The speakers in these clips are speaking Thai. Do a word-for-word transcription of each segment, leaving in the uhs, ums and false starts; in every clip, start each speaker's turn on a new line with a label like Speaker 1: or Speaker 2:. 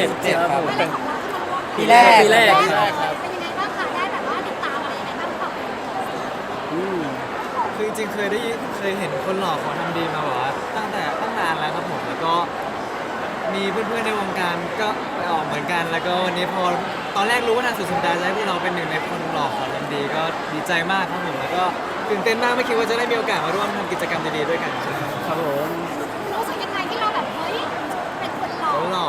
Speaker 1: จ็ดครับผม
Speaker 2: ไม่ได้ของเราที่มาร่วม
Speaker 3: ปีแรก
Speaker 1: ปีแรก
Speaker 2: เป็นยังไงบ้างคะได้แบบว่าติดตามอะไรยังไงบ้างหรือเปล่า
Speaker 1: อืม
Speaker 4: คือจริงๆเคยได้ยินเคยเห็นคนหล่อเขาทำดีมาแบบว่าตั้งแต่ตั้งนานแล้วครับผมแล้วก็มีเพื่อนๆในวงการก็ไปออกเหมือนกัน แล้วก็วันนี้พอตอนแรกรู้ว่าทางสุดสัปดาห์จะให้พวกเราเป็นหนึ่งในคนหล่อเขาทำดีก็ดีใจมากครับผมแล้วก็ตื่นเต้นมากไม่คิดว่าจะได้มีโอกาสมาร่วมทำกิจกรรมดีๆด้วยกันครับ
Speaker 1: ครับผม
Speaker 2: รู้สึกยังไงที่เราแบบเฮ้ยเป็นคนหล่อ
Speaker 4: เขาหล่อ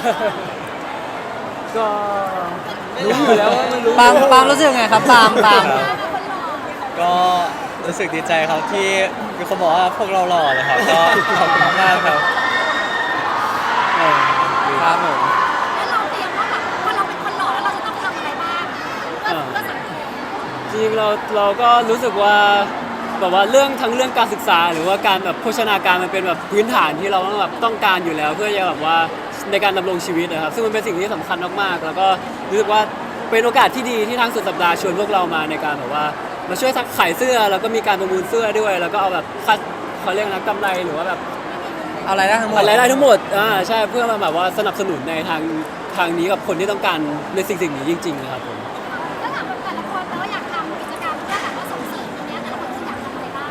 Speaker 1: ก็รู้อยู่แล้วว่ามันรู้
Speaker 3: ปาล์มปาล์มรู้สึกไงครับปาล์มปาล์ม
Speaker 2: เป็นคนหล่อ
Speaker 5: ก็รู้สึกดีใจครับที่มีคนบอกว่าพวกเราหล่อเลยครับ ก็ขอบคุณมากๆครับ
Speaker 1: เออ
Speaker 3: ครับผม
Speaker 2: แล้วเราเตรียมว่าแบบพอเราเป็นคนหล่อแล้วเราจะต้องทำอะไรบ้างเพื่อเพื่อสังคม
Speaker 1: จริงๆเราเราก็รู้สึกว่าแบบว่าเรื่องทั้งเรื่องการศึกษา หรือว่าการแบบโภชนาการมันเป็นแบบพื้นฐานที่เราต้องแบบต้องการอยู่แล้ว เพื่อจะแบบว่าในการดำรงชีวิตนะครับซึ่งมันเป็นสิ่งที่สำคัญมากๆแล้วก็รู้สึกว่าเป็นโอกาสที่ดีที่ทางสุดสัปดาห์ชวนพวกเรามาในการแบบว่ามาช่วยขายเสื้อแล้วก็มีการประมูลเสื้อด้วย แล้วก็เอาแบบคัดเขาเรียกนะกำไรหรือว่าแบบ
Speaker 3: เอาอะไรได้ทั้งหมด
Speaker 1: รายได้ทั้งหมดอ่าใช่เพื่อมาแบบว่าสนับสนุนในทางทางนี้กับคนที่ต้องการในสิ่งสิ่งนี้จริงๆนะครับผม
Speaker 2: ถ้าถามแบบแต่ละคนแล้วอยากทำกิจกรรมเพื่อแบบว่าส่งเสริมตรงเนี้ยแต่ละคนคืออยากทำอะไรบ้าง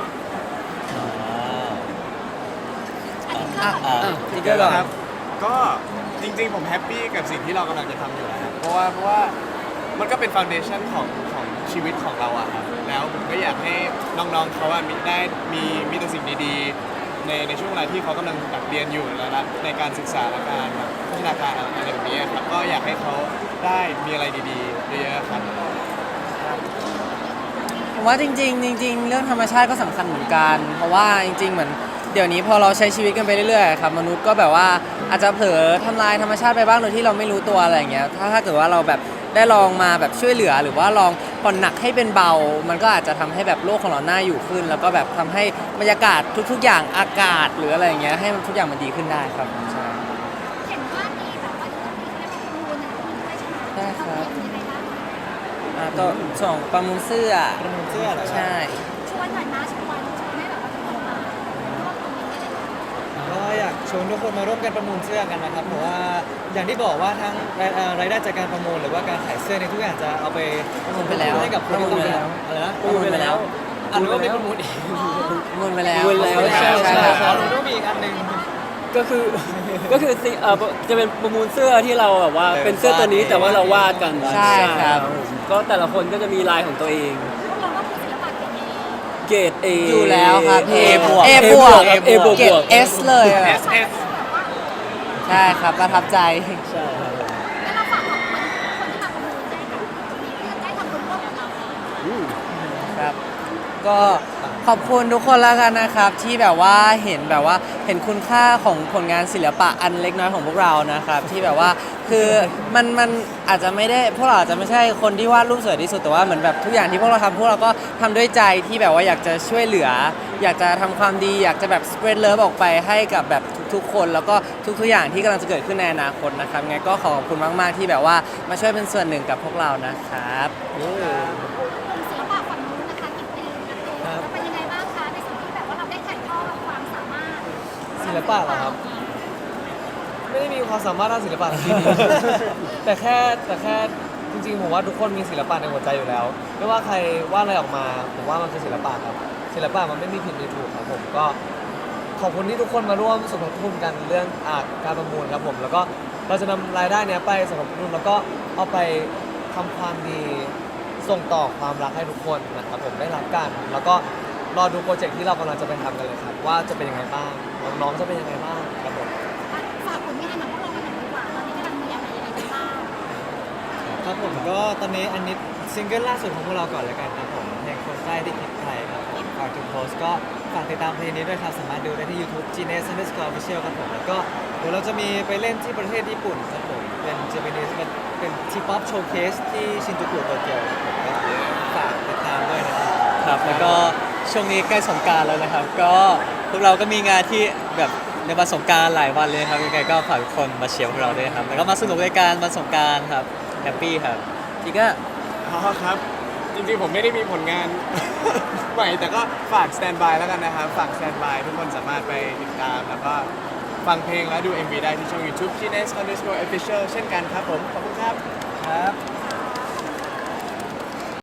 Speaker 2: อันนี้ก็
Speaker 3: อ่ะ
Speaker 2: แบบ
Speaker 3: อ่ะติ๊กเกอร์ก่อน
Speaker 6: ครับก็จริงๆผมแฮปปี้กับสิ่งที่เรากำลังจะทำอยู่นะครับเพราะว่าเพราะว่ามันก็เป็นฟ u n เดชั่นของของชีวิตของเราอะครับแล้วผมก็อยากให้น้องๆเขาอะมีได้มีมีแต่สิ่งดีๆในในช่วงเวลาที่เขากำลังแบบเรียนอยู่แล้วนะในการศึกษาและการแบบพัฒนาการอะไรแบบนี้ครับก็อยากให้เขาได้มีอะไรดีๆเยอะๆครับ
Speaker 3: ผมว่าจริงๆจริงๆเรื่องธรรมชาติก็สำคัญเหมือนกัน เพราะว่าจริง ๆ เหมือนเดี๋ยวนี้พอเราใช้ชีวิตกันไปเรื่อยๆครับมนุษย์ก็แบบว่าอาจจะเผลอทำลายธรรมชาติไปบ้างโดยที่เราไม่รู้ตัวอะไรอย่างเงี้ยถ้าถ้าเกิดว่าเราแบบได้ลองมาแบบช่วยเหลือ หรือว่าลองผ่อนหนักให้เป็นเบา มันก็อาจจะทำให้แบบโลกของเราน่าอยู่ขึ้น แล้วก็แบบทำให้บรรยากาศทุก ๆ อย่างอากาศหรืออะไรอย่างเงี้ยให้มันทุกอย่างมันดีขึ้นได้ครับใช่
Speaker 2: เห็นว่ามีแบบว่าจะมีเขาเรียกว่าประมูลอะไรพวกนี้ด้วยใช่ไหม
Speaker 3: ใช่ครับ
Speaker 2: ทำยังไงบ้าง
Speaker 3: อ่ะก็ส่งประมูลเสื้อ
Speaker 4: ประมูลเสื้อเหรอครับ
Speaker 3: ใช่
Speaker 2: ชวนหน่อยนะชวนชวนให้แบบว่าทุกคนมาร่วมตรงนี้ได้เลยค่ะ
Speaker 4: ก็อยากชวนทุกคนมาร่วมกันประมูลเสื้อกันนะครับเพราะว่าอย่างที่บอกว่าทั้งรายเอ่อรายได้จากการประมูลหรือว่าการขายเสื้อในยทุกอย่างจะเอาไป
Speaker 3: ประมูลไปแล้ว
Speaker 4: ให้กับคนที่
Speaker 3: ประมูลไปแล้ว
Speaker 4: อะไรนะ
Speaker 3: ประมูลไปแล้ว
Speaker 4: อันนี้ก็ไม่ประมูลอีก
Speaker 3: ประมูลไปแล้ว
Speaker 1: ประมูลแล้วใช่ใช่
Speaker 3: ค
Speaker 4: อ๋อ
Speaker 3: รับ
Speaker 4: หนูต้องมีอีกอันหนึ่ง
Speaker 1: ก็คือ ก็คือสิเออจะเป็นประมูลเสื้อที่เราแบบว่าเป็นเสื้อตัวนี้แต่ว่าเราวาดกัน
Speaker 3: ใช่ครับ
Speaker 1: ก็แต่ละคนก็จะมีลายของตัวเอง
Speaker 2: พวกเราก็คือศิลปะเก่งเอง
Speaker 1: เกรด A
Speaker 3: อยู่แล้วครับ
Speaker 1: A
Speaker 3: A
Speaker 1: บวก
Speaker 3: A บวก
Speaker 1: ครับ A บวก
Speaker 3: เกรด S เลยอะ
Speaker 2: ใช่แบบว่า
Speaker 3: ใช่ครับประทับใจ
Speaker 1: ใช่ครับ
Speaker 2: แล้วเราฝากขอบคุณคนที่มาประมูลได้กับตรงนี้เพื่อได้ทำบุญร่วมกับเรา
Speaker 1: อืม
Speaker 3: ครับ ก็ขอบคุณทุกคนแล้วกันนะครับ ที่แบบว่าเห็นแบบว่าเห็นคุณค่าของผลงานศิลปะอันเล็กน้อยของพวกเรานะครับ ที่แบบว่าคือมันมันอาจจะไม่ได้พวกเราอาจจะไม่ใช่คนที่วาดรูปสวยที่สุดแต่ว่าเหมือนแบบทุกอย่างที่พวกเราทำพวกเราก็ทำด้วยใจที่แบบว่าอยากจะช่วยเหลือ อยากจะทำความดี อยากจะแบบ spread love ออกไปให้กับแบบทุกๆ คนแล้วก็ทุกๆอย่างที่กำลังจะเกิดขึ้นในอนาคตนะครับไงก็ขอขอบคุณมากๆที่แบบว่ามาช่วยเป็นส่วนหนึ่งกับพวกเรานะครับ
Speaker 2: กลุ่มศิลปะฝั่งนู้นนะคะกิตตินะคะแล้วเป็นยังไงบ้างคะในส่วนที่แบบว่าเราได้ถ่ายทอดความสามารถ
Speaker 4: ศิลปะเหรอครับ ไม่ได้มีความสามารถด้านศิลปะที่ดี แต่แค่แต่แค่จริงๆผมว่าทุกคนมีศิลปะในหัวใจอยู่แล้ว ไม่ว่าใครวาดอะไรออกมาผมว่ามันคือศิลปะครับศิลปะมันไม่มีผิดมีถูกครับผมก็ขอบคุณที่ทุกคนมาร่วมสมทบทุนกันเรื่องอาการประมูลครับผมแล้วก็เราจะนำรายได้เนี้ยไปสมทบทุนแล้วก็เอาไปทำความดีส่งต่อความรักให้ทุกคนนะครับผมได้รับกัน แล้วก็รอดูโปรเจกต์ที่เรากำลังจะไปทำกันเลยครับว่าจะเป็นยังไงบ้างน้องๆจะเป็นยังไงบ้างครับผม
Speaker 2: ฝากผลงานของพวกเรามาหน่อยดีกว่าตอนนี้กำลังมีอะไรยังไงกันบ้าง
Speaker 4: ครับผมก็ตอนนี้อันนี้ซิงเกิลล่าสุดของพวกเราก่อนเลยกันครับผมเพลงคนใต้ที่คิดไทยครับผมฝากทุกโพสก็ฝากติดตามเพลงนี้ด้วยครับสามารถดูได้ที่ YouTube Genius Underscore Official ครับผมแล้วก็เดี๋ยวเราจะมีไปเล่นที่ประเทศญี่ปุ่นครับผมเป็น Japanese เป็นเป็นทีป๊อปโชว์เคสที่ชินจูกุโตเกียวครับผมก็ฝากติดตามด้วยนะครับ
Speaker 5: ครับแล้วก็ช่วงนี้ใกล้สงกรานต์แล้วนะครับ ก็พวกเราก็มีงานที่แบบในวันสงกรานต์หลายวันเลยครับยังไงก็ฝากทุกคนมาเชียร์พวกเราด้วยครับแล้วก็มาสนุกด้วยกันวันสงกรานต์ครับแฮปปี้ครับ
Speaker 3: อีกก็
Speaker 6: อ๋อครับ จริงๆผมไม่ได้มีผลงาน ใหม่แต่ก็ฝากสแตนบายแล้วกันนะครับ ฝากสแตนบายทุกคนสามารถไปติดตามแล้วก็ฟังเพลงและดู เอ็ม วี ได้ที่ช่อง YouTube จี เนส underscore official เช่นกันครับผม ขอบคุณครับ